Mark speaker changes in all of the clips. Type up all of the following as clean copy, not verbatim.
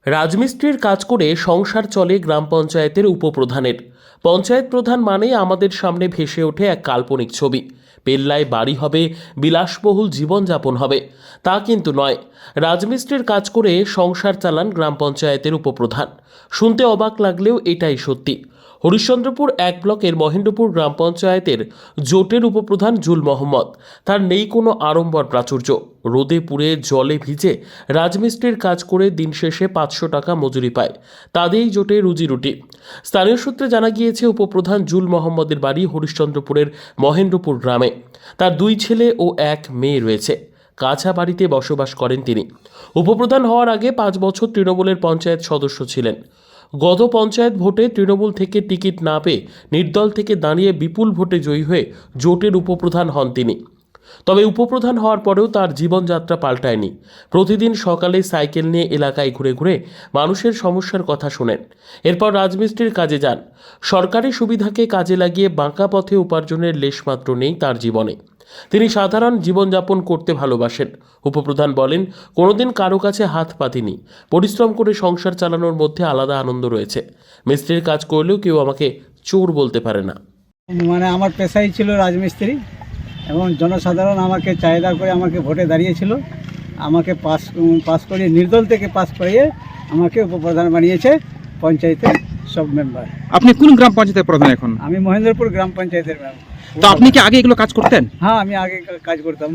Speaker 1: রাজমিস্ত্রির কাজ করে সংসার চলে গ্রাম পঞ্চায়েতের উপপ্রধানের। পঞ্চায়েত প্রধান মানেই আমাদের সামনে ভেসে ওঠে এক কাল্পনিক ছবি। পেল্লায় বাড়ি হবে, বিলাসবহুল জীবনযাপন হবে, তা কিন্তু নয়। রাজমিস্ত্রির কাজ করে সংসার চালান গ্রাম পঞ্চায়েতের উপপ্রধান। শুনতে অবাক লাগলেও এটাই সত্যি। হরিশ্চন্দ্রপুর এক ব্লকের মহেন্দ্রপুর গ্রাম পঞ্চায়েতের জোটের উপপ্রধান জুল মোহাম্মদ। তার নেই কোনো আড়ম্বর প্রাচুর্য। রোদে পুড়ে জলে ভিজে রাজমিস্ত্রির কাজ করে দিন শেষে 500 টাকা মজুরি পায়। তাদেরই জোটে রুজিরুটি। স্থানীয় সূত্রে জানা গিয়েছে, উপপ্রধান জুল মোহাম্মদের বাড়ি হরিশ্চন্দ্রপুরের মহেন্দ্রপুর গ্রামে। তার 2 ছেলে ও 1 মেয়ে রয়েছে। কাছা বাড়িতে বসবাস করেন তিনি। উপপ্রধান হওয়ার আগে 5 বছর তৃণমূলের পঞ্চায়েত সদস্য ছিলেন। গত পঞ্চায়েত ভোটে তৃণমূল থেকে টিকিট না পেয়ে নির্দল থেকে দাঁড়িয়ে বিপুল ভোটে জয়ী হয়ে জোটের উপপ্রধান হন তিনি। তবে উপপ্রধান হওয়ার পরেও তার জীবনযাত্রা পাল্টায়নি। প্রতিদিন সকালে সাইকেল নিয়ে এলাকায় ঘুরে ঘুরে মানুষের সমস্যার কথা শোনেন। এরপর রাজমিস্ত্রির কাজে যান। সরকারি সুবিধাকে কাজে লাগিয়ে বাঁকা পথে উপার্জনের লেশমাত্র নেই তার জীবনে। তিনি সাধারণ জীবনযাপন করতে ভালোবাসেন। উপপ্রধান বলেন, কোনোদিন কারো কাছে হাত পাতিনি। পরিশ্রম করে সংসার চালানোর মধ্যে আলাদা আনন্দ রয়েছে। মিস্ত্রির কাজ করলেও কেউ আমাকে চোর বলতে পারে না।
Speaker 2: আমার পেশাই ছিল রাজমিস্ত্রি, এবং জনসাধারণ আমাকে চাহিদা করে আমাকে ভোটে দাঁড়িয়েছিল। আমাকে পাস করিয়ে, নির্দল থেকে পাস করিয়ে আমাকে উপপ্রধান বানিয়েছে পঞ্চায়েতের সব মেম্বার।
Speaker 3: আপনি কোন গ্রাম পঞ্চায়েতের প্রধান এখন?
Speaker 2: আমি মহেন্দ্রপুর গ্রাম পঞ্চায়েতের মেম্বার।
Speaker 3: তো আপনি কি আগে এগুলো কাজ করতেন?
Speaker 2: হ্যাঁ, আমি আগে কাজ করতাম।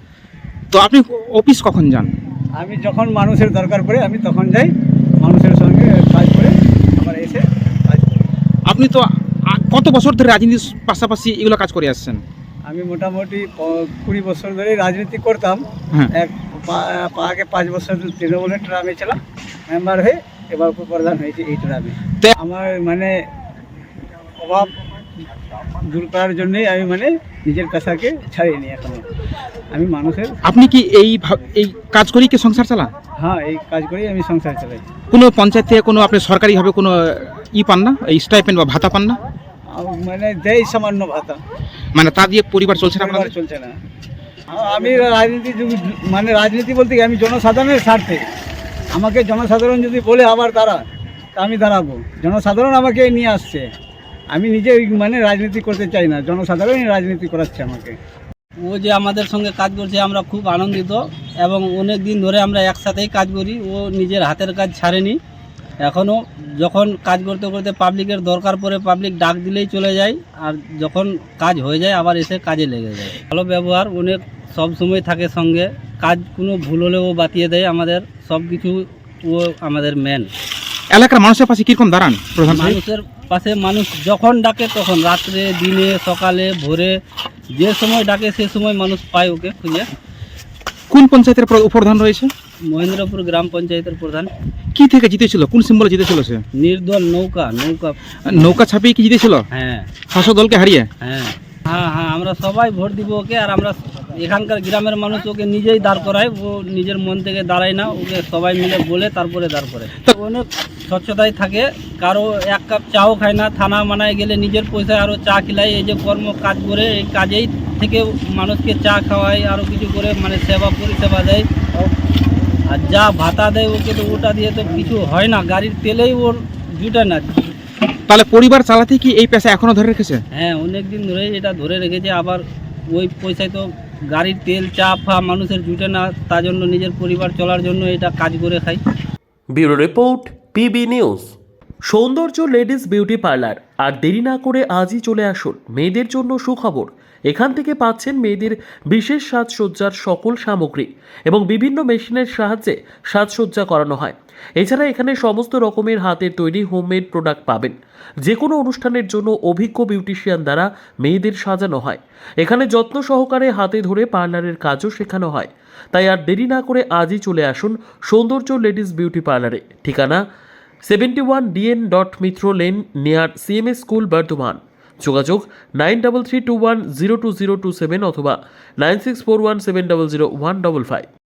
Speaker 3: তো আপনি অফিস কখন যান?
Speaker 2: আমি যখন মানুষের দরকার পড়ে আমি তখন যাই, মানুষের সঙ্গে কাজ করে আবার এসে কাজ করি।
Speaker 3: আপনি তো কত বছর ধরে রাজনীতির পাশাপাশি এগুলো কাজ করে আসছেন?
Speaker 2: আমি মোটামুটি 20 বছর ধরে রাজনীতি করতাম।
Speaker 3: হ্যাঁ।
Speaker 2: আগে 5 বছর তৃণমূলের ট্রামে ছিলাম মেম্বার হয়ে, এবার উপপ্রধান হয়েছে এই ট্রামে। আমার অভাব দূর করার জন্যই আমি নিজের পেশাকে ছাড়িনি এখনো। আমি মানুষের।
Speaker 3: আপনি কি এই কাজ করেই কি সংসার চালান?
Speaker 2: হ্যাঁ, এই কাজ করেই আমি সংসার চালাই।
Speaker 3: কোনো পঞ্চায়েত থেকে কোনো আপনি সরকারিভাবে কোনো পান না, এই স্টাইপেন্ড বা ভাতা পান না?
Speaker 2: দেয় সামান্য ভাতা,
Speaker 3: তা দিয়ে পরিবার চলছে না?
Speaker 2: পরিবার চলছে না। আমি রাজনীতি বলতে কি, আমি জনসাধারণের স্বার্থে। আমাকে জনসাধারণ যদি বলে আবার দাঁড়া, তা আমি দাঁড়াবো। জনসাধারণ আমাকে নিয়ে আসছে, আমি নিজে রাজনীতি করতে চাই না, জনসাধারণই রাজনীতি করাচ্ছে আমাকে।
Speaker 4: ও যে আমাদের সঙ্গে কাজ করছে আমরা খুব আনন্দিত, এবং অনেক দিন ধরে আমরা একসাথেই কাজ করি। ও নিজের হাতের কাজ ছাড়েনি। এখনও যখন কাজ করতে করতে পাবলিকের দরকার পড়ে, পাবলিক ডাক দিলেই চলে যায়, আর যখন কাজ হয়ে যায় আবার এসে কাজে লেগে যায়। ভালো ব্যবহার, অনেক সব সময় থাকে সঙ্গে। কাজ কোনো ভুল হলেও বাতিয়ে দেয় আমাদের সব কিছু। ও আমাদের মেন।
Speaker 3: এলাকার মানুষের পাশে কীরকম দাঁড়ান প্রধান?
Speaker 4: মানুষের পাশে মানুষ যখন ডাকে তখন, রাত্রে, দিনে, সকালে, ভোরে, যে সময় ডাকে সে সময় মানুষ পায় ওকে খুঁজে।
Speaker 3: কোন পঞ্চায়েতের উপপ্রধান রয়েছে?
Speaker 4: মহেন্দ্রপুর গ্রাম পঞ্চায়েতের প্রধান।
Speaker 3: কি থেকে জিতেছিল? কোন সিম্বলে জিতেছিল সে?
Speaker 4: নির্দল নৌকা।
Speaker 3: নৌকা ছাপিয়ে কি জিতেছিল?
Speaker 4: হ্যাঁ,
Speaker 3: শাসক দলকে হারিয়ে।
Speaker 4: হ্যাঁ, আমরা সবাই ভোট দিব ওকে। আর আমরা এখানকার গ্রামের মানুষ ওকে নিজেই দাঁড় করায়। ও নিজের মন থেকে দাঁড়ায় না, ওকে সবাই মিলে বলে তারপরে দাঁড় করে। অনেক স্বচ্ছতায় থাকে, কারো 1 কাপ চাও খায় না। থানা মানায় গেলে নিজের পয়সায় আরও চা খিলায়। এই যে কর্ম কাজ করে, এই কাজেই থেকে মানুষকে চা খাওয়ায়, আরও কিছু করে সেবা পরিষেবা দেয়। আর যা ভাতা দেয় ওকে, তো ওটা দিয়ে তো কিছু হয় না, গাড়ির তেলেই ওর জুটে না।
Speaker 3: তাহলে পরিবার চালাতে কি এই পেশা এখনো ধরে রেখেছে?
Speaker 4: হ্যাঁ, অনেক দিন ধরেই এটা ধরে রেখেছে। আবার ওই পয়সায় তো গাড়ির তেল, চা ফা মানুষের জুটে না, তার জন্য নিজের পরিবার চলার জন্য এটা কাজ করে খাই।
Speaker 1: Bureau report, PB news. সৌন্দর্য লেডিস বিউটি পার্লার। আর দেরি না করে আজই চলে আসুন। মেয়েদের জন্য সুখবর, এখান থেকে পাচ্ছেন মেয়েদের বিশেষ সাজসজ্জার সকল সামগ্রী এবং বিভিন্ন মেশিনের সাহায্যে সাজসজ্জা করানো হয়। এছাড়া এখানে সমস্ত রকমের হাতের তৈরি হোমমেড প্রোডাক্ট পাবেন। যে কোনো অনুষ্ঠানের জন্য অভিজ্ঞ বিউটিশিয়ান দ্বারা মেয়েদের সাজানো হয়। এখানে যত্ন সহকারে হাতে ধরে পার্লারের কাজও শেখানো হয়। তাই আর দেরি না করে আজই চলে আসুন সৌন্দর্য লেডিস বিউটি পার্লারে। ঠিকানা 71 DN Mitra lane, near CMS school, Bardhaman. যোগাযোগ 9331020027 অথবা 9641700155।